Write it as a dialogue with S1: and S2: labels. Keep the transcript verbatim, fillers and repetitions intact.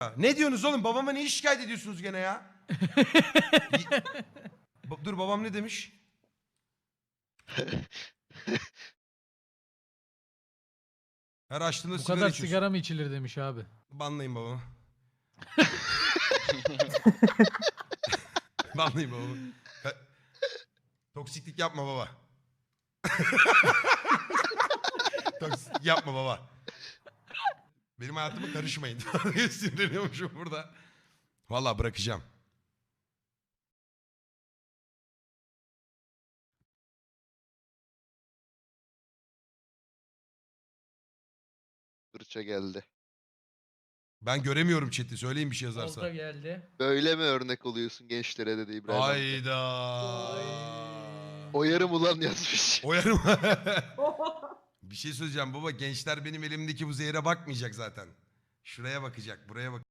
S1: Ne diyorsunuz oğlum? Babama niye şikayet ediyorsunuz gene ya? Ba- Dur babam ne demiş? Her açtığında
S2: Bu
S1: sigara
S2: kadar
S1: içiyorsun.
S2: sigara mı içilir demiş abi.
S1: Banlayın babamı. Banlayın babamı. Ka- Toksiklik yapma baba. Toksiklik yapma baba. Benim hayatıma karışmayın. Sinirleniyormuşum burada. Vallahi bırakacağım.
S3: Fırça geldi.
S1: Ben göremiyorum chat'i. Söyleyin bir şey yazarsa.
S2: Olta geldi.
S3: Böyle mi örnek oluyorsun gençlere dedi İbrahim amca.
S1: Hayda.
S3: Oyarım ulan yazmış.
S1: Oyarım. Bir şey söyleyeceğim baba. Gençler benim elimdeki bu zehre bakmayacak zaten. Şuraya bakacak, buraya bak.